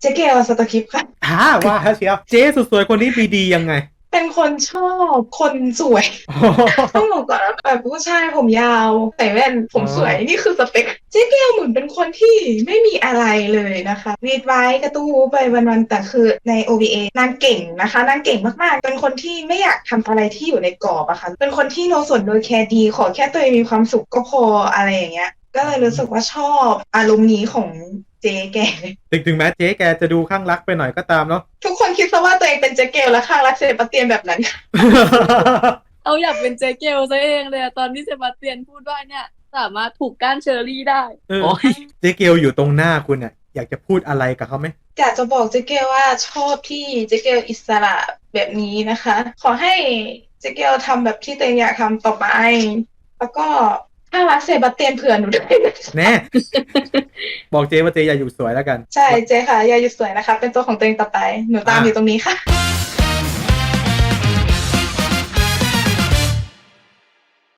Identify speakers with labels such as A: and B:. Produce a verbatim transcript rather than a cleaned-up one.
A: เจ๊เกลสตอคิปค่ะ
B: ฮ่าว่าเชียวเจ๊สุดสวยคนนี้มีดียังไง
A: เป็นคนชอบคนสวยต้องบอกก่อนว่าแบบผู้ชายผมยาวใส่แว่นผ
B: อ๋อ
A: มสวยนี่คือสเปคเจ๊เกลเหมือนเป็นคนที่ไม่มีอะไรเลยนะคะรีดไว้กระตู้ไปวันๆแต่คือใน โอ วี เอ นางเก่งนะคะนางเก่งมากๆเป็นคนที่ไม่อยากทำอะไรที่อยู่ในกรอบอะค่ะเป็นคนที่โน้ตส่วนโดยแคร์ดีขอแค่ตัวเองมีความสุขก็พออะไรอย่างเงี้ยก็เลยรู้สึกว่าชอบอารมณ์นี้ของเจ๊แก
B: ถึงถึงแม้เจ๊แกจะดูข้างรักไปหน่อยก็ตามเนาะ
A: ทุกคนคิดซะว่าตัวเองเป็นเจ๊เกลและข้างรักเซบาสเตียนแบบนั้น
C: เอาอยากเป็นเจเกลซะเองเลยอะตอนที่เซบาสเตียนพูดว่าเนี่ยสามารถผูกก้านเชอร์รี่ได้
B: เออ
C: โอ้ย
B: เจ๊เกลอยู่ตรงหน้าคุณเนี่ยอยากจะพูดอะไรกับเขาไหม
A: อยากจะบอกเจ๊เกลว่าชอบที่เจ๊เกลอิสระแบบนี้นะคะ ขอให้เจ๊เกลทำแบบที่ตัวเองอยากทำต่อไป แล้วก็ข้างรักเซบาสเตียนเผื่อหนูด้วยนะ
B: แน่ บอกเจ๊ว่าเจ๊อย่าอยู่สวยแล้วกัน
A: ใช่เจ๊ค่ะอย่าหยุดสวยนะคะ เป็นตัวของตัวเองต่อไปหนูตามอยู่ตรงนี้ค่ะ